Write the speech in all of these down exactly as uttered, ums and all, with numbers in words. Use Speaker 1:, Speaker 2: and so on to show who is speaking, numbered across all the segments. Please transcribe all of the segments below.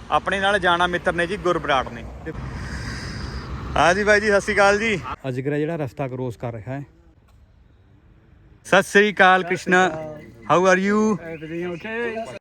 Speaker 1: ਆਪਣੇ ਨਾਲ ਜਾਣਾ ਮਿੱਤਰ ਨੇ ਜੀ ਗੁਰਬਰਾੜ ਨੇ। हाँ जी भाई जी सत श्री अकाल जी। अजगर जिहड़ा रस्ता क्रॉस कर रहा है। Sat Shri Akal Krishna, how are you?
Speaker 2: Everything okay?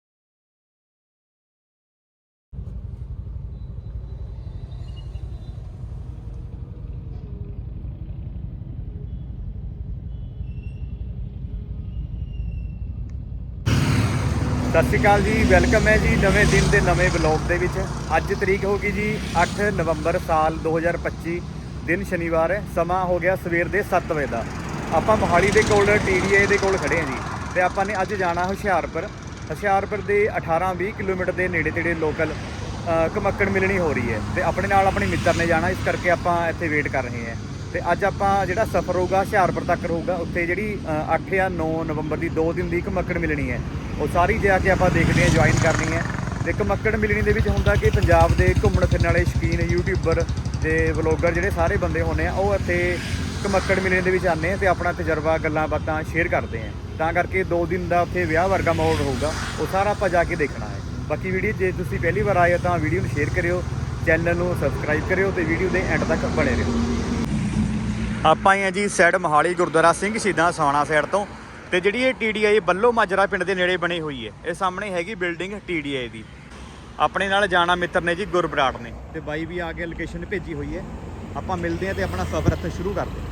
Speaker 1: सत श्री अकाल जी, वेलकम है जी नवे दिन के नवे ब्लॉग के विच। अज तरीक होगी जी अठ नवंबर साल दो हज़ार पच्ची, दिन शनिवार है। समा हो गया सवेर के सत्त बजे का। आपां मोहाली के कोल टी डी ए दे कोल खड़े हैं जी, तो आपां ने अज जाना हुशियारपुर। हुशियारपुर के अठारह बीस किलोमीटर के नेड़े तेड़े लोकल घमक्कड़ मिलनी हो रही है, तो अपने नाल अपने मित्र ने जाना, इस करके आपां इत्थे वेट कर रहे हैं। तो अज आपां जिहड़ा सफ़र होगा हुशियारपुर तक होगा, उत्थे जिहड़ी अठ या नौ नवंबर की दो दिन की घमक्कड़ मिलनी है, वो सारी जाके आप देखते हैं, ज्वाइन करनी है। तो घमक्कड़ मिलनी के होंगे कि पंजाब के घूमन फिरन वाले शौकीन यूट्यूबर ते व्लॉगर जिहड़े सारे बंदे होने वो इत्थे घमक्कड़ मिलनी के आने तो अपना तजर्बा गल्लां बातां शेयर करते हैं। तां करके दो दिन का उत्थे विआह वर्गा माहौल होगा, वो सारा आप जाके देखना है। बाकी वीडियो जे तुसीं पहली बार आए हो तो वीडियो नूं शेयर करियो, चैनल नूं सबसक्राइब करियो, तो वीडियो के एंड तक बने रहो। आपां ही जी साइड मोहाली गुरुद्वारा सिंह शहीदां सवाणा साइड तो, तो जी ये टी डी आई बल्लो माजरा पिंड के नेड़े बनी हुई है। ये सामने हैगी बिल्डिंग टी डी आई की। अपने नाल जाना मित्र ने जी गुरबराड़ ने, तो बाई भी आके लोकेशन भेजी हुई है। आप मिलते हैं तो अपना सफ़र इत्थे शुरू करते हैं।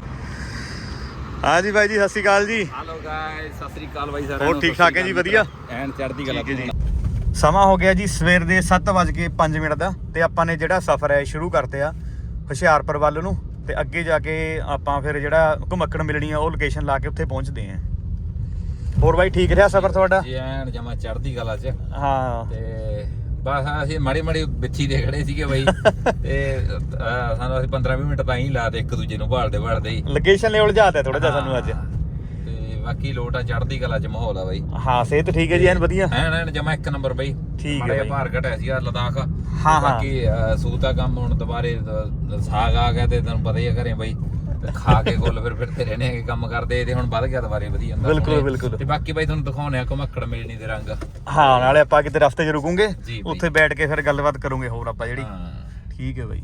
Speaker 1: हाँ जी भाई जी सत श्री अकाल जी।
Speaker 2: हेलो गाइस, सत श्री अकाल भाई सारे।
Speaker 1: और ठीक ठाक है जी, वधिया
Speaker 2: एंड चढ़दी कला
Speaker 1: जी। समा हो गया जी सवेर के सत्त बज के पाँच मिनट का, तो आपां ने जिहड़ा सफ़र है शुरू करते आ हुशियारपुर वाल नूं, ते अगे जाके आपां फिर जिहड़ा घमक्कड़ मिलनी है वो लोकेशन ला के उत्थे पहुँचते हैं। और भाई ठीक रहा सफर थोड़ा?
Speaker 2: जी एंड जमा चढ़दी कला च।
Speaker 1: हाँ
Speaker 2: ते बस ਅਸੀਂ ਮਾੜੀ ਮਾੜੀ ਬਿੱਥੀ ਦੇ ਖੜੇ ਸੀਗੇ ਬਾਈ, ਤੇ ਸਾਨੂੰ ਅਸੀਂ ਪੰਦਰਾਂ ਵੀਹ ਮਿੰਟ ਤਾਂ ਹੀ ਲਾਤੇ ਇੱਕ ਦੂਜੇ ਨੂੰ ਭਾਲਦੇ ਭਾਲਦੇ ਹੀ।
Speaker 1: ਲੋਕੇਸ਼ਨ ਲੈਵਲ ਜਾਤਾ ਥੋੜਾ ਜਿਹਾ ਸਾਨੂੰ ਅੱਜ,
Speaker 2: ਤੇ ਬਾਕੀ ਲੋਟ ਆ ਚੜ੍ਹਦੀ ਕਲਾ ਚ ਮਾਹੌਲ ਆ ਬਾਈ।
Speaker 1: ਹਾਂ ਸਿਹਤ ਠੀਕ ਹੈ ਜੀ, ਐਨ ਵਧੀਆ
Speaker 2: ਐਨ ਐਨ ਜਮਾ ਇੱਕ ਨੰਬਰ ਬਾਈ।
Speaker 1: ਠੀਕ ਹੈ
Speaker 2: ਮਾੜਾ
Speaker 1: ਬਾਈ।
Speaker 2: ਭਾਰ ਘਟਿਆ ਸੀਗਾ ਲਦਾਖ।
Speaker 1: ਹਾਂ
Speaker 2: ਬਾਕੀ ਸੂਤਾ ਕੰਮ ਹੁਣ ਦੁਬਾਰੇ ਸਾਗ ਆ ਗਿਆ, ਤੇ ਤੈਨੂੰ ਪਤਾ ਹੀ ਆ ਘਰੇ ਬਾਈ ਖਾ ਕੇ ਗੁੱਲ ਫਿਰ ਫਿਰਦੇ ਰਹਿੰਦੇ ਆ, ਕੰਮ ਕਰਦੇ ਤੇ ਹੁਣ ਵੱਧ ਗਿਆ ਦੁਬਾਰੇ ਵਧੀਆ ਹੁੰਦਾ।
Speaker 1: ਬਿਲਕੁਲ ਬਿਲकुल।
Speaker 2: ਤੇ ਬਾਕੀ ਬਾਈ ਤੁਹਾਨੂੰ ਦਿਖਾਉਣੇ ਆ ਘਮੱਕੜ ਮਿਲਣੀ ਦੇ ਰੰਗ।
Speaker 1: ਹਾਂ ਨਾਲੇ ਆਪਾਂ ਕਿਤੇ ਰਸਤੇ 'ਚ ਰੁਕੂਗੇ,
Speaker 2: ਜੀ
Speaker 1: ਉੱਥੇ ਬੈਠ ਕੇ ਫਿਰ ਗੱਲਬਾਤ ਕਰੂਗੇ ਹੋਰ ਆਪਾਂ ਜਿਹੜੀ।
Speaker 2: ਹਾਂ
Speaker 1: ਠੀਕ ਹੈ ਬਾਈ।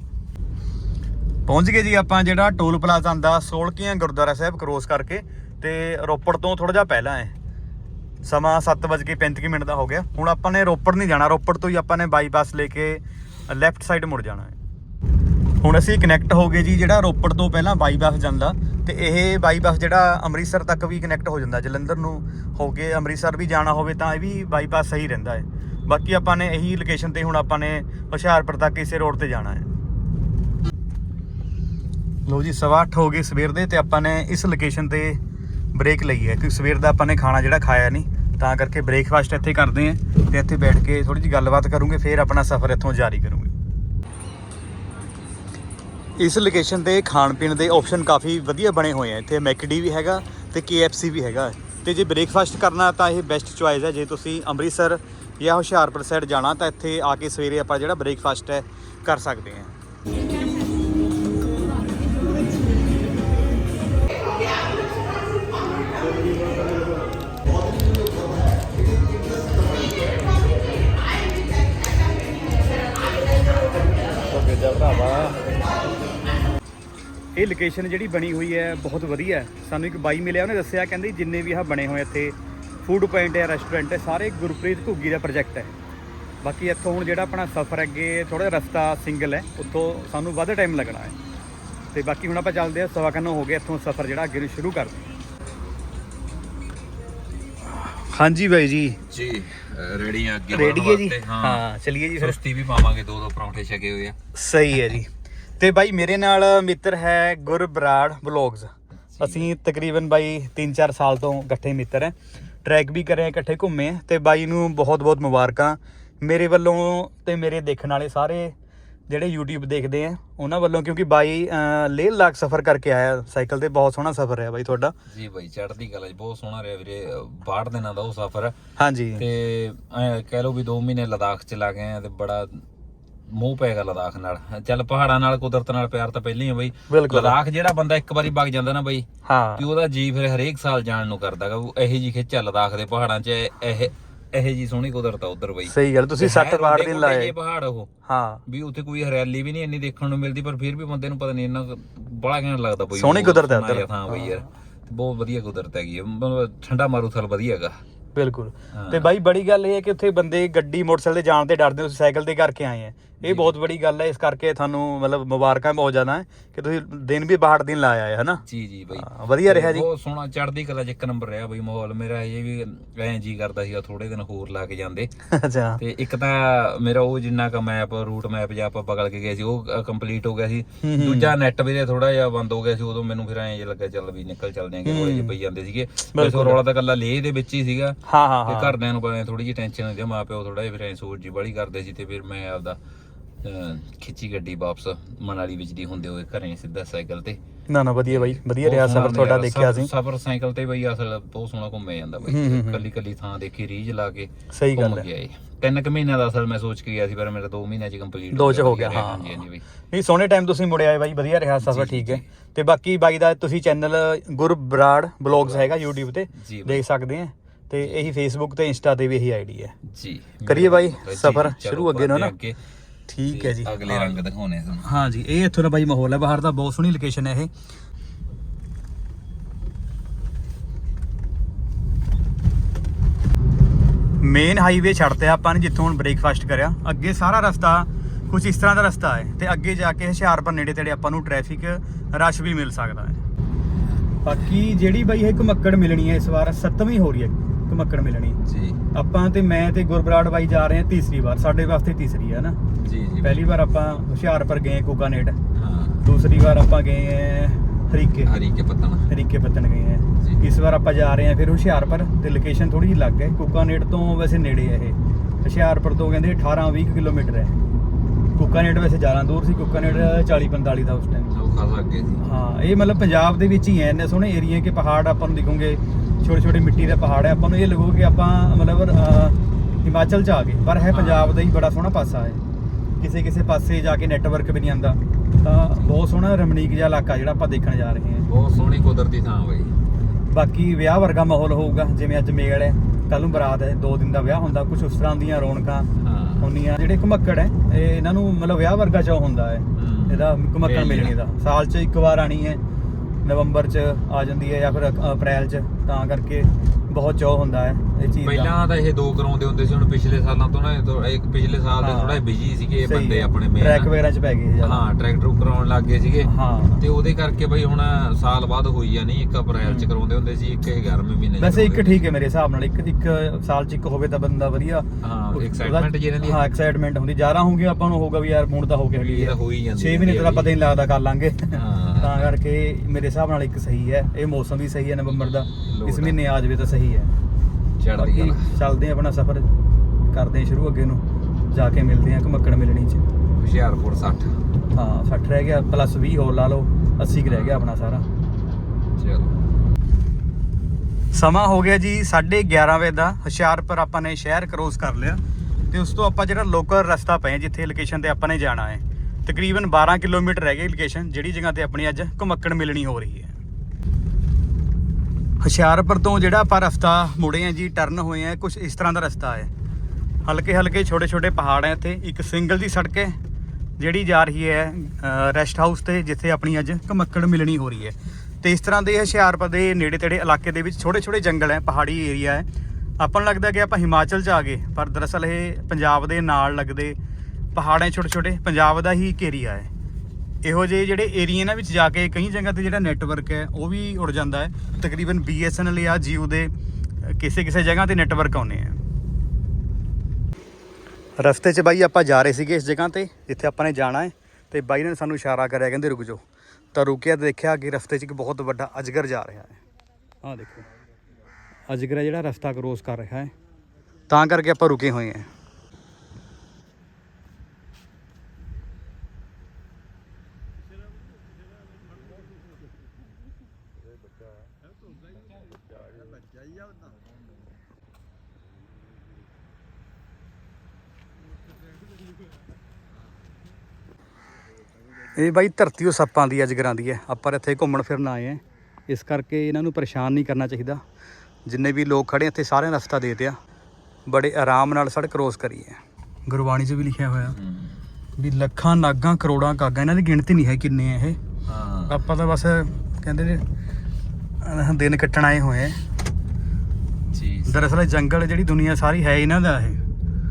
Speaker 1: ਪਹੁੰਚ ਗਏ ਜੀ ਆਪਾਂ ਜਿਹੜਾ ਟੋਲ ਪਲਾਜ਼ਾ ਆਂਦਾ ਸੋਲਕੀਆਂ ਗੁਰਦੁਆਰਾ ਸਾਹਿਬ ਕਰੋਸ ਕਰਕੇ, ਤੇ ਰੋਪੜ ਤੋਂ ਥੋੜਾ ਜਿਹਾ ਪਹਿਲਾਂ ਹੈ। ਸਮਾਂ ਸੱਤ ਵੱਜ ਕੇ ਪੈਂਤੀ ਮਿੰਟ ਦਾ ਹੋ ਗਿਆ। ਹੁਣ ਆਪਾਂ ਨੇ ਰੋਪੜ ਨਹੀਂ ਜਾਣਾ, ਰੋਪੜ ਤੋਂ ਹੀ ਆਪਾਂ ਨੇ ਬਾਈਪਾਸ ਲੈ ਕੇ ਲੈਫਟ ਸਾਈਡ ਮੁੜ ਜਾਣਾ ਹੈ। ਹੁਣ ਅਸੀਂ ਕਨੈਕਟ ਹੋ ਗਏ ਜੀ ਜਿਹੜਾ ਰੋਪੜ ਤੋਂ ਪਹਿਲਾਂ ਬਾਈਪਾਸ ਜਾਂਦਾ, ਤੇ ਇਹ ਬਾਈਪਾਸ ਜਿਹੜਾ ਅੰਮ੍ਰਿਤਸਰ ਤੱਕ ਵੀ ਕਨੈਕਟ ਹੋ ਜਾਂਦਾ। ਜਲੰਧਰ ਨੂੰ ਹੋ ਕੇ ਅੰਮ੍ਰਿਤਸਰ ਵੀ ਜਾਣਾ ਹੋਵੇ ਤਾਂ ਇਹ ਵੀ ਬਾਈਪਾਸ ਸਹੀ ਰਹਿੰਦਾ ਹੈ। ਬਾਕੀ ਆਪਾਂ ਨੇ ਇਹੀ ਲੋਕੇਸ਼ਨ ਤੇ ਹੁਣ ਆਪਾਂ ਨੇ ਹੁਸ਼ਿਆਰਪੁਰ ਤੱਕ ਇਸੇ ਰੋਡ ਤੇ ਜਾਣਾ ਹੈ। ਲੋ ਜੀ ਸਵਾ ਅੱਠ ਹੋ ਗਏ ਸਵੇਰ ਦੇ, ਤੇ ਆਪਾਂ ਨੇ ਇਸ ਲੋਕੇਸ਼ਨ ਤੇ ਬ੍ਰੇਕ ਲਈ ਹੈ ਕਿਉਂਕਿ ਸਵੇਰ ਦਾ ਆਪਾਂ ਨੇ ਖਾਣਾ ਜਿਹੜਾ ਖਾਇਆ ਨਹੀਂ, ਤਾਂ ਕਰਕੇ ਬ੍ਰੇਕਫਾਸਟ ਇੱਥੇ ਕਰਦੇ ਹਾਂ, ਤੇ ਇੱਥੇ ਬੈਠ ਕੇ ਥੋੜੀ ਜਿਹੀ ਗੱਲਬਾਤ ਕਰੂੰਗੇ, ਫਿਰ ਆਪਣਾ ਸਫ਼ਰ ਇੱਥੋਂ ਜਾਰੀ ਕਰੂੰਗੇ। ਇਸ ਲੋਕੇਸ਼ਨ ਤੇ ਖਾਣ ਪੀਣ ਦੇ ਆਪਸ਼ਨ ਕਾਫੀ ਵਧੀਆ ਬਣੇ ਹੋਏ ਆ। ਇੱਥੇ ਮੈਕਡੀ ਵੀ ਹੈਗਾ ਤੇ ਕੇ ਐਫ ਸੀ ਵੀ ਹੈਗਾ, ਤੇ ਜੇ ਬ੍ਰੇਕਫਾਸਟ ਕਰਨਾ ਤਾਂ ਇਹ ਬੈਸਟ ਚੁਆਇਸ ਹੈ। ਜੇ ਤੁਸੀਂ ਅੰਮ੍ਰਿਤਸਰ ਜਾਂ ਹੁਸ਼ਿਆਰਪੁਰ ਸਾਈਡ ਜਾਣਾ ਤਾਂ ਇੱਥੇ ਆ ਕੇ ਸਵੇਰੇ ਆਪਾਂ ਜਿਹੜਾ ਬ੍ਰੇਕਫਾਸਟ ਹੈ ਕਰ ਸਕਦੇ ਹਾਂ। ਇਹ ਲੋਕੇਸ਼ਨ ਜਿਹੜੀ ਬਣੀ ਹੋਈ ਹੈ ਬਹੁਤ ਵਧੀਆ ਹੈ। ਸਾਨੂੰ ਇੱਕ ਬਾਈ ਮਿਲਿਆ, ਉਹਨੇ ਦੱਸਿਆ ਕਹਿੰਦੇ ਜਿੰਨੇ ਵੀ ਆਹ ਬਣੇ ਹੋਏ ਇੱਥੇ ਫੂਡ ਪੁਆਇੰਟ ਹੈ, ਰੈਸਟੋਰੈਂਟ ਹੈ, ਸਾਰੇ ਗੁਰਪ੍ਰੀਤ ਘੁੱਗੀ ਦਾ ਪ੍ਰੋਜੈਕਟ ਹੈ। ਬਾਕੀ ਇੱਥੋਂ ਹੁਣ ਜਿਹੜਾ ਆਪਣਾ ਸਫ਼ਰ ਅੱਗੇ ਥੋੜ੍ਹਾ ਰਸਤਾ ਸਿੰਗਲ ਹੈ, ਉੱਥੋਂ ਸਾਨੂੰ ਵੱਧ ਟਾਈਮ ਲੱਗਣਾ ਹੈ। ਤੇ ਬਾਕੀ ਹੁਣ ਆਪਾਂ ਚੱਲਦੇ ਹਾਂ, ਸਵਾ ਕੁ ਹੋ ਗਿਆ, ਇੱਥੋਂ ਸਫ਼ਰ ਜਿਹੜਾ ਅੱਗੇ ਨੂੰ ਸ਼ੁਰੂ ਕਰਦੇ ਹਾਂ। ਹਾਂਜੀ ਬਾਈ ਜੀ
Speaker 2: ਜੀ ਰੈਡੀ ਆ ਅੱਗੇ
Speaker 1: ਰੈਡੀ ਹੈ ਜੀ। ਹਾਂ ਚਲਿਏ ਜੀ ਫਿਰ।
Speaker 2: ਸੁਸਤੀ ਵੀ ਪਾਵਾਂਗੇ, ਦੋ ਦੋ ਪਰੌਂਠੇ ਛਕੇ ਹੋਏ ਆ।
Speaker 1: ਸਹੀ ਹੈ ਜੀ। ਤੇ ਬਾਈ ਮੇਰੇ ਨਾਲ ਮਿੱਤਰ ਹੈ ਗੁਰਬਰਾੜ ਵਲੌਗਸ। ਅਸੀਂ ਤਕਰੀਬਨ ਬਾਈ ਤਿੰਨ ਚਾਰ ਸਾਲ ਤੋਂ ਇਕੱਠੇ ਮਿੱਤਰ ਹੈ, ਟਰੈਕ ਵੀ ਕਰੇ ਇਕੱਠੇ ਘੁੰਮੇ ਆ। ਤੇ ਬਾਈ ਨੂੰ ਬਹੁਤ ਬਹੁਤ ਮੁਬਾਰਕਾਂ ਮੇਰੇ ਵੱਲੋਂ ਤੇ ਮੇਰੇ ਦੇਖਣ ਵਾਲੇ ਸਾਰੇ ਜਿਹੜੇ YouTube ਦੇਖਦੇ ਆ ਉਹਨਾਂ ਵੱਲੋਂ, ਕਿਉਂਕਿ ਬਾਈ ਲੇਹ ਲਦਾਖ ਸਫ਼ਰ ਕਰਕੇ ਆਇਆ ਸਾਈਕਲ ਤੇ। ਬਹੁਤ ਸੋਹਣਾ ਸਫ਼ਰ ਰਿਹਾ ਬਾਈ ਤੁਹਾਡਾ।
Speaker 2: ਜੀ ਬਾਈ ਚੜ੍ਹਦੀ ਕਲਾ 'ਚ ਬਹੁਤ ਸੋਹਣਾ ਰਿਹਾ ਵੀਰੇ, ਬਾਹਠ ਦਿਨਾਂ ਦਾ ਉਹ ਸਫ਼ਰ।
Speaker 1: ਹਾਂਜੀ
Speaker 2: ਤੇ ਕਹਿ ਲਓ ਵੀ ਦੋ ਮਹੀਨੇ ਲਦਾਖ ਚ ਲਾ ਗਏ ਆ, ਤੇ ਬੜਾ ਮੋਹ ਪੈ ਗਿਆ ਲਦਾਖ ਨਾਲ। ਚੱਲ ਪਹਾੜਾਂ ਨਾਲ ਕੁਦਰਤ ਨਾਲ ਪਿਆਰ ਤਾਂ ਪਹਿਲਾਂ ਹੀ ਆ ਬਈ। ਲਦਾਖ ਜਿਹੜਾ ਬੰਦਾ ਇੱਕ ਵਾਰੀ ਵਗ ਜਾਂਦਾ ਨਾ ਬਈ,
Speaker 1: ਹਾਂ,
Speaker 2: ਕਿ ਉਹਦਾ ਜੀ ਫਿਰ ਹਰੇਕ ਸਾਲ ਜਾਣ ਨੂੰ ਕਰਦਾਗਾ। ਇਹੋ ਜਿਹੀ ਖਿੱਚ ਆ ਲਦਾਖ ਦੇ ਪਹਾੜਾਂ 'ਚ। ਇਹ ਇਹੋ ਜੀ ਸੋਹਣੀ ਕੁਦਰਤ ਆ ਉਧਰ ਬਈ।
Speaker 3: ਸਹੀ ਗੱਲ, ਤੁਸੀਂ ਸੱਤ ਪਹਾੜ ਦਿਨ ਲਾਏ।
Speaker 2: ਇਹ ਪਹਾੜ ਉਹ
Speaker 3: ਹਾਂ
Speaker 2: ਵੀ ਉੱਥੇ ਕੋਈ ਹਰਿਆਲੀ ਵੀ ਨਹੀਂ ਇੰਨੀ ਦੇਖਣ ਨੂੰ ਮਿਲਦੀ, ਪਰ ਫਿਰ ਵੀ ਬੰਦੇ ਨੂੰ ਪਤਾ ਨਹੀਂ ਇੰਨਾ ਬੜਾ ਘੈਂਟ ਲੱਗਦਾ ਬਈ।
Speaker 3: ਸੋਹਣੀ ਕੁਦਰਤ ਹੈ ਉਧਰ।
Speaker 2: ਹਾਂ ਬਈ ਯਾਰ ਬਹੁਤ ਵਧੀਆ ਕੁਦਰਤ ਹੈਗੀ, ਮਤਲਬ ਠੰਡਾ ਮਾਰੂਥਲ ਵਧੀਆ ਹੈਗਾ।
Speaker 3: ਬਿਲਕੁਲ। ਤੇ ਬਾਈ ਬੜੀ ਗੱਲ ਇਹ ਹੈ ਕਿ ਉੱਥੇ ਬੰਦੇ ਗੱਡੀ ਮੋਟਰਸਾਈਕਲ ਤੇ ਜਾਣ ਤੇ ਡਰਦੇ, ਤੁਸੀਂ ਸਾਈਕਲ ਤੇ ਕਰਕੇ ਆਏ ਆ, ਇਹ ਬਹੁਤ ਬੜੀ ਗੱਲ ਹੈ। ਇਸ ਕਰਕੇ ਤੁਹਾਨੂੰ ਮਤਲਬ ਮੁਬਾਰਕਾਂ ਬਹੁਤ ਜ਼ਿਆਦਾ ਹੈ ਕਿ ਤੁਸੀਂ ਦਿਨ ਵੀ ਪਹਾੜ ਦਿਨ ਲਾਇਆ ਹੈ ਹਨਾ।
Speaker 2: ਜੀ ਜੀ ਬਈ
Speaker 3: ਵਧੀਆ ਰਿਹਾ ਜੀ,
Speaker 2: ਬਹੁਤ ਸੋਹਣਾ ਚੜ੍ਹਦੀ ਕਲਾ ਚ ਇੱਕ ਨੰਬਰ ਰਿਹਾ ਬਈ ਮਾਹੌਲ। ਮੇਰਾ ਇਹ ਵੀ ਐਂ ਜੀ ਕਰਦਾ ਸੀਗਾ ਥੋੜੇ ਦਿਨ ਹੋਰ ਲਾ ਕੇ ਜਾਂਦੇ।
Speaker 3: ਅੱਛਾ।
Speaker 2: ਤੇ ਇੱਕ ਤਾਂ ਮੇਰਾ ਉਹ ਜਿੰਨਾ ਕ ਮੈਪ ਰੂਟ ਮੈਪ ਜਾਂ ਆਪਾਂ ਬਗਲ ਕੇ ਗਏ ਸੀ ਉਹ ਕੰਪਲੀਟ ਹੋ ਗਿਆ ਸੀ। ਦੂਜਾ ਨੈਟ ਵੀ ਥੋੜਾ ਜਿਹਾ ਬੰਦ ਹੋ ਗਿਆ ਸੀ ਉਦੋਂ, ਮੈਨੂੰ ਫਿਰ ਐਂ ਜਿਹਾ ਲੱਗਾ ਚੱਲ ਵੀ ਨਿਕਲ ਚੱਲਦੇ ਆਂਗੇ, ਰੋਲੇ ਜਿਹੇ ਪਈ ਜਾਂਦੇ ਸੀਗੇ। ਵੈਸੇ ਰੌਲਾ ਤਾਂ ਇਕੱਲਾ ਲੇਹ ਦੇ ਵਿੱਚ ਹੀ ਸੀਗਾ।
Speaker 3: ਹਾਂ ਹਾਂ
Speaker 2: ਤੇ ਘਰਦਿਆਂ ਨੂੰ ਪਤਾ ਥੋੜੀ ਜਿਹੀ ਟੈਨਸ਼ਨ ਹੁੰਦੀ ਆ, ਮਾਂ ਪਿਓ ਥੋੜਾ ਜਿਹਾ ਫਿਰ ਐਂ ਸੋਚ ਜੀ ਬੜੀ ਕਰਦੇ ਸੀ। ਤੇ ਫਿਰ ਮੈਂ ਆਪਦਾ ਖਿੱਚੀ ਗੱਡੀ ਵਾਪਸ ਮਨਾਲੀ ਵਿੱਚ ਦੀ ਹੁੰਦੇ ਹੋਏ ਘਰੇ ਸਿੱਧਾ ਸਾਈਕਲ ਤੇ।
Speaker 3: ਨਾ ਨਾ ਵਧੀਆ ਬਾਈ, ਵਧੀਆ ਰਿਹਾ ਸਫ਼ਰ ਤੁਹਾਡਾ, ਦੇਖਿਆ ਸੀ
Speaker 2: ਸਫ਼ਰ ਸਾਈਕਲ ਤੇ ਬਈ ਅਸਲ ਬਹੁਤ ਸੋਹਣਾ ਘੁੰਮੇ ਜਾਂਦਾ ਬਈ। ਕੱਲੀ ਕੱਲੀ ਥਾਂ ਦੇਖੀ, ਰੀਝ ਲਾ ਕੇ
Speaker 3: ਸਹੀ ਗੱਲ ਹੈ।
Speaker 2: ਤਿੰਨ ਕੁ ਮਹੀਨਿਆਂ ਦਾ ਅਸਲ ਮੈਂ ਸੋਚ ਕੇ ਗਿਆ ਸੀ, ਪਰ ਮੇਰਾ ਦੋ ਮਹੀਨਿਆਂ ਚ ਕੰਪਲੀਟ
Speaker 3: ਦੋ ਚ ਹੋ ਗਿਆ। ਹਾਂ
Speaker 2: ਹਾਂਜੀ ਹਾਂਜੀ ਬਈ,
Speaker 3: ਨਹੀਂ ਸੋਹਣੇ ਟਾਈਮ ਤੁਸੀਂ ਮੁੜੇ ਆਏ ਬਾਈ, ਵਧੀਆ ਰਿਹਾ ਸਫ਼ਰ। ਠੀਕ ਹੈ। ਤੇ ਬਾਕੀ ਬਾਈ ਦਾ ਤੁਸੀਂ ਚੈਨਲ ਗੁਰ ਬਰਾੜ ਬਲੌਗਸ ਹੈਗਾ YouTube ਤੇ, ਦੇਖ ਸਕਦੇ ਆ। ਤੇ ਇਹੀ Facebook ਤੇ ਇੰਸਟਾ ਤੇ ਵੀ ਇਹੀ ਆਈਡੀ ਹੈ ਜੀ। ਕਰੀਏ ਬਾਈ ਸਫ਼ਰ ਸ਼ੁਰੂ ਅੱਗੇ ਨੂੰ ਨਾ। ਠੀਕ ਹੈ ਜੀ,
Speaker 2: ਅਗਲੇ ਰੰਗ ਦਿਖਾਉਣੇ ਤੁਹਾਨੂੰ।
Speaker 3: ਹਾਂ ਜੀ, ਇਹ ਇੱਥੋਂ ਦਾ ਬਾਈ ਮਾਹੌਲ ਹੈ ਬਾਹਰ ਦਾ, ਬਹੁਤ ਸੋਹਣੀ ਲੋਕੇਸ਼ਨ ਹੈ ਇਹ। ਮੇਨ ਹਾਈਵੇ ਛੱਡਤੇ ਆਪਾਂ ਨੇ ਜਿੱਥੋਂ ਹੁਣ ਬ੍ਰੇਕਫਾਸਟ ਕਰਿਆ। ਅੱਗੇ ਸਾਰਾ ਰਸਤਾ ਕੁਝ ਇਸ ਤਰ੍ਹਾਂ ਦਾ ਰਸਤਾ ਹੈ ਤੇ ਅੱਗੇ ਜਾ ਕੇ ਹੁਸ਼ਿਆਰਪੁਰ ਨੇੜੇ ਤੇੜੇ ਆਪਾਂ ਨੂੰ ਟ੍ਰੈਫਿਕ ਰਸ਼ ਵੀ ਮਿਲ ਸਕਦਾ ਹੈ। ਬਾਕੀ ਜਿਹੜੀ ਬਾਈ ਇਹ ਘਮੱਕੜ ਮਿਲਣੀ ਹੈ ਇਸ ਵਾਰ ਸੱਤਵੀਂ ਹੋ ਰਹੀ ਹੈ ਘਮੱਕੜ ਮਿਲਣੀ ਜੀ। ਆਪਾਂ ਤੇ ਮੈਂ ਤੇ ਗੁਰਬਰਾੜ ਬਾਈ ਜਾ ਰਹੇ ਹਾਂ ਤੀਸਰੀ ਵਾਰ, ਸਾਡੇ ਵਾਸਤੇ ਤੀਸਰੀ ਹੈ ਨਾ ਜੀ ਜੀ। ਪਹਿਲੀ ਵਾਰ ਆਪਾਂ ਹੁਸ਼ਿਆਰਪੁਰ ਗਏ ਕੋਕਾਨੇਟ, ਹਾਂ। ਦੂਸਰੀ ਵਾਰ ਆਪਾਂ ਗਏ ਹਰੀਕੇ ਹਰੀਕੇ ਪੱਤਣ ਹਰੀਕੇ ਪੱਤਣ ਗਏ ਆ। ਇਸ ਵਾਰ ਆਪਾਂ ਜਾ ਰਹੇ ਹਾਂ ਫਿਰ ਹੁਸ਼ਿਆਰਪੁਰ ਤੇ ਲੋਕੇਸ਼ਨ ਥੋੜੀ ਜਿਹੀ ਲੱਗ ਹੈ। ਕੋਕਾਨੇਟ ਤੋਂ ਵੈਸੇ ਨੇੜੇ ਹੈ ਇਹ, ਹੁਸ਼ਿਆਰਪੁਰ ਤੋਂ ਕਹਿੰਦੇ ਅਠਾਰਾਂ ਵੀਹ ਕਿਲੋਮੀਟਰ ਹੈ। ਕੋਕਾਨੇਟ ਵੈਸੇ ਜ਼ਿਆਦਾ ਦੂਰ ਸੀ, ਕੋਕਾਨੇਟ ਚਾਲੀ ਪੰਤਾਲੀ ਦਾ ਉਸ ਟਾਈਮ ਖਾਸਾ ਅੱਗੇ ਸੀ। ਹਾਂ ਇਹ ਮਤਲਬ ਪੰਜਾਬ ਦੇ ਵਿੱਚ ਹੀ ਹੈ, ਇੰਨੇ ਸੋਹਣੇ ਏਰੀਏ ਕਿ ਪਹਾੜ ਆਪਾਂ ਨੂੰ ਦਿਖੋਗੇ, ਛੋਟੇ ਛੋਟੇ ਮਿੱਟੀ ਦੇ ਪਹਾੜ ਹੈ। ਆਪਾਂ ਨੂੰ ਇਹ ਲੱਗੂ ਕਿ ਆਪਾਂ ਮਤਲਬ ਹਿਮਾਚਲ 'ਚ ਆ ਗਏ, ਪਰ ਹੈ ਪੰਜਾਬ ਦਾ ਹੀ ਬੜਾ ਸੋਹਣਾ ਪਾਸਾ ਹੈ। ਕਿਸੇ ਕਿਸੇ ਪਾਸੇ ਜਾ ਕੇ ਨੈਟਵਰਕ ਵੀ ਨਹੀਂ ਆਉਂਦਾ, ਤਾਂ ਬਹੁਤ ਸੋਹਣਾ ਰਮਣੀਕ ਜਿਹਾ ਇਲਾਕਾ ਜਿਹੜਾ ਆਪਾਂ ਦੇਖਣ ਜਾ ਰਹੇ ਹਾਂ। ਬਹੁਤ ਸੋਹਣੀ ਕੁਦਰਤੀ ਥਾਂ ਬਈ। ਬਾਕੀ ਵਿਆਹ ਵਰਗਾ ਮਾਹੌਲ ਹੋਊਗਾ, ਜਿਵੇਂ ਅੱਜ ਮੇਲ ਹੈ, ਕੱਲ ਨੂੰ ਬਰਾਤ ਹੈ, ਦੋ ਦਿਨ ਦਾ ਵਿਆਹ ਹੁੰਦਾ, ਕੁਝ ਉਸ ਤਰ੍ਹਾਂ ਦੀਆਂ ਰੌਣਕਾਂ ਹੁੰਦੀਆਂ। ਜਿਹੜੇ ਘਮੱਕੜ ਹੈ ਇਹ ਇਹਨਾਂ ਨੂੰ ਮਤਲਬ ਵਿਆਹ ਵਰਗਾ ਚਾਅ ਹੁੰਦਾ ਹੈ ਇਹਦਾ, ਘਮੱਕੜ ਮਿਲਣੀ ਦਾ। ਸਾਲ 'ਚ ਇੱਕ ਵਾਰ ਆਣੀ ਹੈ, ਨਵੰਬਰ 'ਚ ਆ ਜਾਂਦੀ ਹੈ ਜਾਂ ਫਿਰ ਅਪ੍ਰੈਲ 'ਚ, ਤਾਂ ਕਰਕੇ ਬਹੁਤ ਚਾਅ ਹੁੰਦਾ ਹੈ ਇਹ ਚੀਜ਼ ਦਾ। ਪਹਿਲਾਂ ਤਾਂ ਇਹ ਦੋ ਕਰਾਉਂਦੇ ਹੁੰਦੇ ਸੀ, ਹੁਣ ਪਿਛਲੇ ਸਾਲਾਂ ਤੋਂ ਨਾ ਇੱਕ ਪਿਛਲੇ ਸਾਲ ਦੇ ਥੋੜਾ ਬਿਜੀ ਸੀਗੇ ਬੰਦੇ ਆਪਣੇ ਮੇਨ ਟਰੈਕ ਵਗੈਰਾ 'ਚ ਪੈ ਗਏ। ਹਾਂ ਟਰੈਕ ਟਰੂਕ ਕਰਾਉਣ ਲੱਗ ਗਏ ਸੀਗੇ, ਹਾਂ। ਤੇ ਉਹਦੇ ਕਰਕੇ ਬਈ ਹੁਣ ਸਾਲ ਬਾਅਦ ਹੋਈ ਜਾਣੀ, ਇੱਕ ਅਪ੍ਰੈਲ 'ਚ ਕਰਾਉਂਦੇ ਹੁੰਦੇ ਸੀ, ਇੱਕ ਗਿਆਰਵੇਂ ਮਹੀਨੇ। ਵੈਸੇ ਇੱਕ ਠੀਕ ਹੈ ਮੇਰੇ ਹਿਸਾਬ ਨਾਲ, ਇੱਕ ਇੱਕ ਸਾਲ 'ਚ ਇੱਕ ਹੋਵੇ ਤਾਂ ਬੰਦਾ ਵਧੀਆ। ਹਾਂ ਐਕਸਾਈਟਮੈਂਟ ਜੀ ਰਹਿੰਦੀ। ਹਾਂ ਐਕਸਾਈਟਮੈਂਟ ਹੁੰਦੀ, ਜ਼ਿਆਦਾ ਹੋਊਗੀ ਆਪਾਂ ਨੂੰ ਹੋਊਗਾ ਵੀ ਯਾਰ ਹੁਣ ਤਾਂ ਹੋ ਕੇ ਹਟੀ ਹੈ, ਛੇ ਮਹੀਨੇ ਤਾਂ ਪਤਾ ਹੀ ਨਹੀਂ ਲੱਗਦਾ ਕਰ ਲਾਂਗੇ। ਤਾਂ ਕਰਕੇ ਮੇਰੇ ਹਿਸਾਬ ਨਾਲ ਇੱਕ ਸਹੀ ਹੈ, ਇਹ ਮੌਸਮ ਵੀ ਸਹੀ ਹੈ ਨਵੰਬਰ ਦਾ, ਇਸ ਮਹੀਨੇ ਆ ਜਾਵੇ ਤਾਂ ਸਹੀ ਹੈ। ਚੜ੍ਹਦੀ ਚੱਲਦੇ ਆਪਣਾ ਸਫ਼ਰ ਕਰਦੇ ਹਾਂ ਸ਼ੁਰੂ, ਅੱਗੇ ਨੂੰ ਜਾ ਕੇ ਮਿਲਦੇ ਹਾਂ ਘਮੱਕੜ ਮਿਲਣੀ 'ਚ। ਹੁਸ਼ਿਆਰਪੁਰ ਸੱਠ, ਹਾਂ ਸੱਠ ਰਹਿ ਗਿਆ, ਪਲੱਸ ਵੀਹ ਹੋਰ ਲਾ ਲਓ, ਅੱਸੀ ਕੁ ਰਹਿ ਗਿਆ ਆਪਣਾ ਸਾਰਾ। ਚਲੋ ਸਮਾਂ ਹੋ ਗਿਆ ਜੀ ਸਾਢੇ ਗਿਆਰਾਂ ਵਜੇ ਦਾ। ਹੁਸ਼ਿਆਰਪੁਰ ਆਪਾਂ ਨੇ ਸ਼ਹਿਰ ਕਰੋਸ ਕਰ ਲਿਆ ਤੇ ਉਸ ਤੋਂ ਆਪਾਂ ਜਿਹੜਾ ਲੋਕਲ ਰਸਤਾ ਪਏ ਜਿੱਥੇ ਲੋਕੇਸ਼ਨ ਤੇ ਆਪਾਂ ਨੇ ਜਾਣਾ ਹੈ, ਤਕਰੀਬਨ ਬਾਰਾਂ ਕਿਲੋਮੀਟਰ ਰਹਿ ਗਈ ਲੋਕੇਸ਼ਨ, ਜਿਹੜੀ ਜਗ੍ਹਾ ਤੇ ਆਪਣੀ ਅੱਜ ਘਮੱਕੜ ਮਿਲਣੀ ਹੋ ਰਹੀ ਹੈ। ਹੁਸ਼ਿਆਰਪੁਰ ਤੋਂ ਜਿਹੜਾ ਆਪਾਂ ਰਸਤਾ ਮੁੜੇ ਆ ਜੀ, ਟਰਨ ਹੋਏ ਆ, ਕੁਝ ਇਸ ਤਰ੍ਹਾਂ ਦਾ ਰਸਤਾ ਹੈ। ਹਲਕੇ ਹਲਕੇ ਛੋਟੇ ਛੋਟੇ ਪਹਾੜ ਹੈ ਇੱਥੇ, ਇੱਕ ਸਿੰਗਲ ਦੀ ਸੜਕ ਹੈ ਜਿਹੜੀ ਜਾ ਰਹੀ ਹੈ ਰੈਸਟ ਹਾਊਸ ਤੇ, ਜਿੱਥੇ ਆਪਣੀ ਅੱਜ ਘਮੱਕੜ ਮਿਲਣੀ ਹੋ ਰਹੀ ਹੈ। ਤੇ ਇਸ ਤਰ੍ਹਾਂ ਦੇ ਹੁਸ਼ਿਆਰਪੁਰ ਦੇ ਨੇੜੇ ਤੇੜੇ ਇਲਾਕੇ ਦੇ ਵਿੱਚ ਛੋਟੇ ਛੋਟੇ ਜੰਗਲ ਹੈ, ਪਹਾੜੀ ਏਰੀਆ ਹੈ। ਆਪਾਂ ਨੂੰ ਲੱਗਦਾ ਕਿ ਆਪਾਂ ਹਿਮਾਚਲ 'ਚ ਆ ਗਏ, ਪਰ ਦਰਅਸਲ ਇਹ ਪੰਜਾਬ ਦੇ ਨਾਲ ਲੱਗਦੇ ਪਹਾੜਾਂ ਛੋਟੇ ਛੋਟੇ ਪੰਜਾਬ ਦਾ ਹੀ ਇੱਕ ਏਰੀਆ ਹੈ। ਇਹੋ ਜਿਹੇ ਜਿਹੜੇ ਏਰੀਏ ਇਹਨਾਂ ਵਿੱਚ ਜਾ ਕੇ ਕਈ ਜਗ੍ਹਾ ਤੇ ਜਿਹੜਾ ਨੈਟਵਰਕ ਹੈ ਉਹ ਵੀ ਉੜ ਜਾਂਦਾ ਹੈ। ਤਕਰੀਬਨ ਬੀ ਐਸ ਐਨ ਐਲ ਜਾਂ ਜੀਓ ਦੇ ਕਿਸੇ ਕਿਸੇ ਜਗ੍ਹਾ ਤੇ ਨੈਟਵਰਕ ਆਉਂਦੇ ਆ। ਰਸਤੇ 'ਚ ਬਾਈ ਆਪਾਂ ਜਾ ਰਹੇ ਸੀਗੇ ਇਸ ਜਗ੍ਹਾ ਤੇ ਜਿੱਥੇ ਆਪਾਂ ਨੇ ਜਾਣਾ ਹੈ, ਤੇ ਬਾਈ ਨੇ ਸਾਨੂੰ ਇਸ਼ਾਰਾ ਕਰਿਆ, ਕਹਿੰਦੇ ਰੁਕ ਜਾਓ। ਤਾਂ ਰੁਕਿਆ, ਦੇਖਿਆ ਕਿ ਰਸਤੇ 'ਚ ਇੱਕ ਬਹੁਤ ਵੱਡਾ ਅਜਗਰ ਜਾ ਰਿਹਾ ਹੈ। ਆਹ ਦੇਖੋ ਅਜਗਰ ਹੈ ਜਿਹੜਾ ਰਸਤਾ ਕਰੋਸ ਕਰ ਰਿਹਾ ਹੈ, ਤਾਂ ਕਰਕੇ ਆਪਾਂ ਰੁਕੇ ਹੋਏ ਹਾਂ। ਇਹ ਬਾਈ ਧਰਤੀ ਉਹ ਸੱਪਾਂ ਦੀ ਅਜਗਰਾਂ ਦੀ ਹੈ। ਆਪਾਂ ਇੱਥੇ ਘੁੰਮਣ ਫਿਰਨ ਆਏ ਹਾਂ, ਇਸ ਕਰਕੇ ਇਹਨਾਂ ਨੂੰ ਪਰੇਸ਼ਾਨ ਨਹੀਂ ਕਰਨਾ ਚਾਹੀਦਾ। ਜਿੰਨੇ ਵੀ ਲੋਕ ਖੜੇ ਇੱਥੇ ਸਾਰਿਆਂ ਨੂੰ ਰਸਤਾ ਦੇ ਦਿਆ। ਬੜੇ ਆਰਾਮ ਨਾਲ ਸੜਕ ਕ੍ਰੋਸ ਕਰੀ ਹੈ। ਗੁਰਬਾਣੀ 'ਚ ਵੀ ਲਿਖਿਆ ਹੋਇਆ ਵੀ ਲੱਖਾਂ ਨਾਗਾਂ ਕਰੋੜਾਂ ਕਾਗਾਂ, ਇਹਨਾਂ ਦੀ ਗਿਣਤੀ ਨਹੀਂ ਹੈ ਕਿੰਨੇ ਆ ਇਹ।
Speaker 2: ਹਾਂ
Speaker 3: ਆਪਾਂ ਤਾਂ ਬਸ ਕਹਿੰਦੇ ਨੇ ਅਹ ਦਿਨ ਕੱਟਣ ਆਏ ਹੋਏ ਆ।
Speaker 2: ਜੀ
Speaker 3: ਦਰਅਸਲ ਇਹ ਜੰਗਲ ਜਿਹੜੀ ਦੁਨੀਆ ਸਾਰੀ ਹੈ ਇਹਨਾਂ ਦਾ ਇਹ।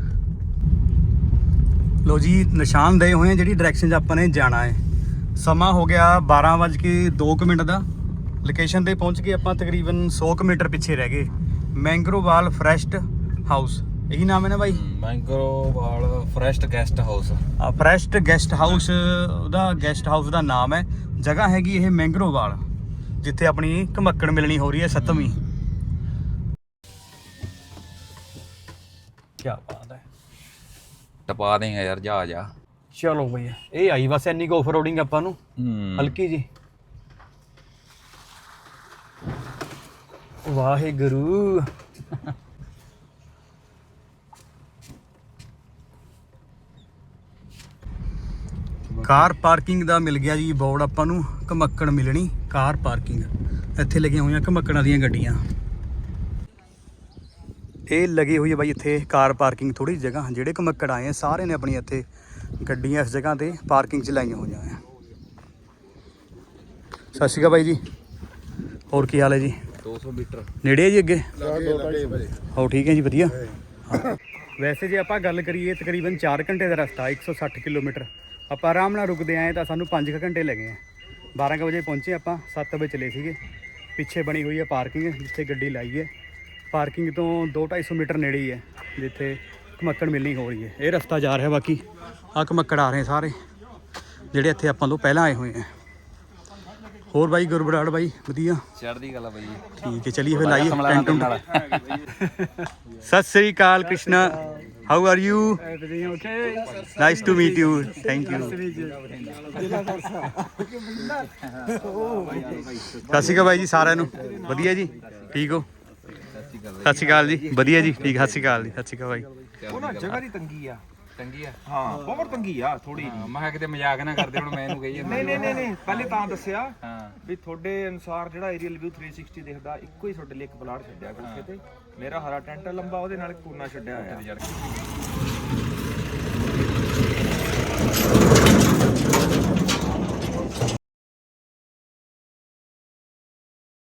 Speaker 3: ਲੋ ਜੀ ਨਿਸ਼ਾਨ ਦਏ ਹੋਏ ਆ ਜਿਹੜੀ ਡਾਇਰੈਕਸ਼ਨ 'ਚ ਆਪਾਂ ਨੇ ਜਾਣਾ ਹੈ। ਸਮਾਂ ਹੋ ਗਿਆ ਬਾਰਾਂ ਵੱਜ ਕੇ ਦੋ ਕੁ ਮਿੰਟ ਦਾ। ਲੋਕੇਸ਼ਨ ਤੇ ਪਹੁੰਚ ਗਏ ਆਪਾਂ, ਤਕਰੀਬਨ ਸੌ ਕੁ ਮੀਟਰ ਪਿੱਛੇ ਰਹਿ ਗਏ। ਮੈਂਗਰੋਵਾਲ ਫਰੈਸਟ ਹਾਊਸ, ਇਹੀ ਨਾਮ ਹੈ ਨਾ ਬਾਈ?
Speaker 2: ਮੈਂਗਰੋਵਾਲ ਫਰੈਸਟ ਗੈਸਟ ਹਾਊਸ।
Speaker 3: ਆ ਫਰੈਸਟ ਗੈਸਟ ਹਾਊਸ ਉਹਦਾ ਗੈਸਟ ਹਾਊਸ ਦਾ ਨਾਮ ਹੈ। ਜਗ੍ਹਾ ਹੈਗੀ ਇਹ ਮੈਂਗਰੋਵਾਲ, ਜਿੱਥੇ ਆਪਣੀ ਘਮੱਕੜ ਮਿਲਣੀ ਹੋ ਰਹੀ ਹੈ ਸੱਤਵੀਂ। ਕੀ ਬਾਤ ਹੈ।
Speaker 2: ਟਪਾ ਦੇਗਾ ਯਾਰ ਜਾ ਜਾ।
Speaker 3: ਚਲੋ ਭਈਆ ਇਹ ਆਈ ਬਸ ਇੰਨੀ ਕੁ ਆਫਰੋਡਿੰਗ ਆਪਾਂ ਨੂੰ ਹਲਕੀ ਜੀ। ਵਾਹਿਗੁਰੂ। ਕਾਰ ਪਾਰਕਿੰਗ ਦਾ ਮਿਲ ਗਿਆ ਜੀ ਬੋਰਡ ਆਪਾਂ ਨੂੰ। ਘਮੱਕੜ ਮਿਲਣੀ ਕਾਰ ਪਾਰਕਿੰਗ, ਇੱਥੇ ਲੱਗੀਆਂ ਹੋਈਆਂ ਘਮੱਕੜਾਂ ਦੀਆਂ ਗੱਡੀਆਂ। ਇਹ ਲੱਗੀ ਹੋਈ ਹੈ ਬਾਈ ਇੱਥੇ ਕਾਰ ਪਾਰਕਿੰਗ। ਥੋੜੀ ਜਗ੍ਹਾ ਜਿਹੜੇ ਘਮੱਕੜ ਆਏ ਆ ਸਾਰੇ ਨੇ ਆਪਣੀ ਇੱਥੇ ਗੱਡੀਆਂ ਇਸ ਜਗ੍ਹਾ ਤੇ ਪਾਰਕਿੰਗ 'ਚ ਲਾਈਆਂ ਹੋਈਆਂ ਆ। ਸਤਿ ਸ਼੍ਰੀ ਅਕਾਲ ਬਾਈ ਜੀ, ਹੋਰ ਕੀ ਹਾਲ ਹੈ ਜੀ?
Speaker 2: ਦੋ ਸੌ ਮੀਟਰ
Speaker 3: ਨੇੜੇ ਹੈ ਜੀ ਅੱਗੇ? ਹੋ ਠੀਕ ਹੈ ਜੀ, ਵਧੀਆ। ਵੈਸੇ ਜੇ ਆਪਾਂ ਗੱਲ ਕਰੀਏ ਤਕਰੀਬਨ ਚਾਰ ਘੰਟੇ ਦਾ ਰਸਤਾ, ਇੱਕ ਸੌ ਸੱਠ ਕਿਲੋਮੀਟਰ। ਆਪਾਂ ਆਰਾਮ ਨਾਲ ਰੁਕਦੇ ਆਏ ਤਾਂ ਸਾਨੂੰ ਪੰਜ ਕੁ ਘੰਟੇ ਲੱਗੇ ਆ। ਬਾਰਾਂ ਕੁ ਵਜੇ ਪਹੁੰਚੇ ਆਪਾਂ, ਸੱਤ ਵਜੇ ਚਲੇ ਸੀਗੇ। ਪਿੱਛੇ ਬਣੀ ਹੋਈ ਹੈ ਪਾਰਕਿੰਗ ਜਿੱਥੇ ਗੱਡੀ ਲਾਈ ਹੈ। ਪਾਰਕਿੰਗ ਤੋਂ ਦੋ ਢਾਈ ਸੌ ਮੀਟਰ ਨੇੜੇ ਹੀ ਹੈ ਜਿੱਥੇ ਘਮੱਕੜ ਮਿਲਣੀ ਹੋ ਰਹੀ ਹੈ। ਇਹ ਰਸਤਾ ਜਾ ਰਿਹਾ, ਬਾਕੀ ਆਹ ਘਮੱਕੜ ਆ ਰਹੇ ਸਾਰੇ ਜਿਹੜੇ ਇੱਥੇ ਆਪਾਂ ਤੋਂ ਪਹਿਲਾਂ ਆਏ ਹੋਏ ਆ। ਹੋਰ ਬਾਈ ਗੁਰਬਰਾੜ ਬਾਈ ਵਧੀਆ?
Speaker 2: ਚੜ੍ਹਦੀ ਗੱਲ ਆ ਬਾਈ।
Speaker 3: ਠੀਕ ਹੈ, ਚਲਿਏ ਫਿਰ ਲਾਈਏ ਟੈਂਟ ਟੁੰਟ। Sat Shri Akal Krishna, how are you? Nice to meet you, thank you. Sat Shri ਅਕਾਲ ਬਾਈ ਜੀ ਸਾਰਿਆਂ ਨੂੰ, ਵਧੀਆ ਜੀ, ਠੀਕ ਹੋ? ਸਤਿ ਸ਼੍ਰੀ ਅਕਾਲ ਜੀ, ਵਧੀਆ ਜੀ, ਠੀਕ। ਸਤਿ ਸ਼੍ਰੀ ਅਕਾਲ ਜੀ, ਸਤਿ ਸ਼੍ਰੀ ਅਕਾਲ ਬਾਈ।
Speaker 4: ਉਹ ਨਾ ਜਗ੍ਹਾ ਦੀ ਤੰਗੀ ਆ।
Speaker 2: ਤੰਗੀ ਆ?
Speaker 4: ਹਾਂ ਬਹੁਤ ਤੰਗੀ ਆ ਥੋੜੀ ਜਿਹੀ।
Speaker 2: ਮੈਂ ਕਿਹਾ ਕਿਤੇ ਮਜ਼ਾਕ ਨਾ ਕਰਦੇ ਹੁਣ ਮੈਨੂੰ ਕਹੀ ਜਾਂਦਾ।
Speaker 4: ਨਹੀਂ ਨਹੀਂ ਨਹੀਂ ਨਹੀਂ ਪਹਿਲੇ ਤਾਂ ਦੱਸਿਆ
Speaker 2: ਹਾਂ
Speaker 4: ਵੀ ਤੁਹਾਡੇ ਅਨੁਸਾਰ ਜਿਹੜਾ ਏਰੀਅਲ ਵਿਊ ਤਿੰਨ ਸੌ ਸਾਠ ਦਿਖਦਾ, ਇੱਕੋ ਹੀ ਤੁਹਾਡੇ ਲਈ ਇੱਕ ਪਲਾਟ ਛੱਡਿਆ ਕੋਠੇ ਤੇ। ਮੇਰਾ ਹਰਾ ਟੈਂਟ ਲੰਬਾ, ਉਹਦੇ ਨਾਲ ਕੋਨਾ ਛੱਡਿਆ ਹੋਇਆ।